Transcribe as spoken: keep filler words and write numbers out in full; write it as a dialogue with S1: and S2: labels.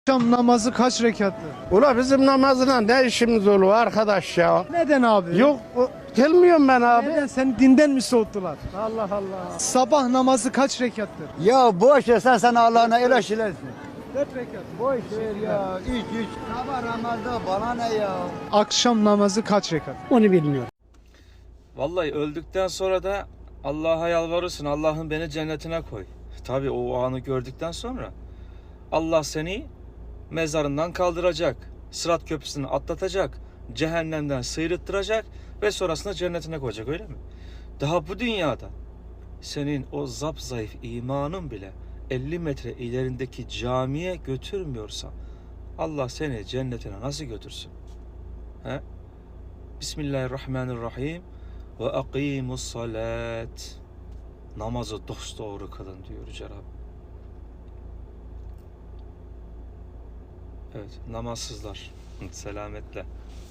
S1: Akşam namazı kaç rekattır?
S2: Ula bizim namazına ne işimiz olur arkadaş ya?
S1: Neden abi?
S2: Yok o- gelmiyorum ben abi.
S1: Neden? Seni dinden mi soğuttular?
S2: Allah Allah.
S1: Sabah namazı kaç rekattır?
S3: Ya boş ver sen sen Allah'ına el şeylersin.
S1: dört rekat.
S3: Boş ver ya. İç iç. Sabah namazda bana ne ya?
S1: Akşam namazı kaç rekat?
S4: Onu bilmiyorum.
S5: Vallahi öldükten sonra da Allah'a yalvarırsın. Allah'ım beni cennetine koy. Tabii o anı gördükten sonra Allah seni mezarından kaldıracak. Sırat köprüsünü atlatacak. Cehennemden sıyrıttıracak ve sonrasında cennetine koyacak, öyle mi? Daha bu dünyada senin o zapzayıf imanın bile elli metre ilerindeki camiye götürmüyorsa Allah seni cennetine nasıl götürsün? He? Bismillahirrahmanirrahim. Ve akimus salat. Namazı dosdoğru kılın diyor Yüce Rabbim. Evet, namazsızlar selametle.